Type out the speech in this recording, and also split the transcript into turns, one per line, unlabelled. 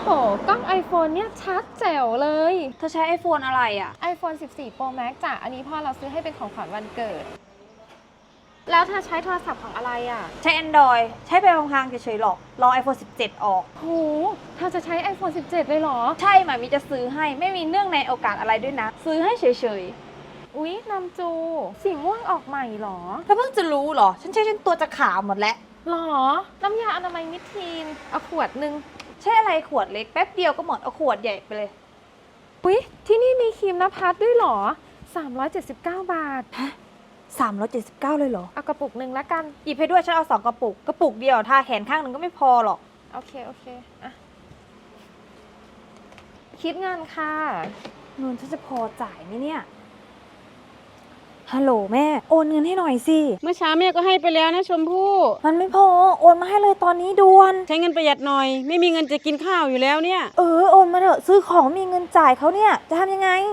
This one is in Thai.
กล้อง iPhone เนี่ยชัดแจ๋วเลย
เธอใช้ iPhone อะไรอ่ะ
iPhone 14 Pro Max จ้ะอันนี้พ่อเราซื้อให้เป็นของขวัญวันเกิด แล้วเธอใช้โทรศัพท์ของอะไรอ่ะ
ใช้ Android ใช้ไปพลางๆเฉยๆหรอกรอ iPhone 17 ออก
โหเธอจะใช้ iPhone 17 เลยเหรอ
ใช่หมามีจะซื้อให้ไม่มีเนื่องในโอกาสอะไรด้วยนะ ซื้อให้เฉย
อุ๊ยน้ำจูสีม่วงออกใหม่เหรอ
ๆแล้วเพิ่งจะรู้เหรอ ฉันใช้จนตัวจะขาวหมดแล้ว
หรอ น้ำยาอนามัยมิดทีนเอาขวดหนึ่ง
ใช่อะไรขวดเล็กแป๊บเดียวก็หมดเอาขวดใหญ่ไปเลย
อุ๊ยที่นี่มีครีมนภัสด้วยเหรอ 379 บาท
379เลยเหรอ
เอากระปุกหนึ่งละกัน
หยิบให้ด้วยฉันเอา2 กระปุก กระปุกเดียวทาแขนข้างหนึ่งก็ไม่พอหรอก
โอเคอะคิดเงินค่ะ
เงินฉันจะพอจ่ายไหมเนี่ยฮัลโหลแม่โอนเงินให้หน่อยสิ
เมื่อเช้าแม่ก็ให้ไปแล้วนะชมพู่
มันไม่พอโอนมาให้เลยตอนนี้ด่วน
ใช้เงินประหยัดหน่อย ไม่มีเงินจะกินข้าวอยู่แล้วเนี่ย
โอนมาเถอะซื้อของมีเงินจ่ายเขาเนี่ยจะทำยังไง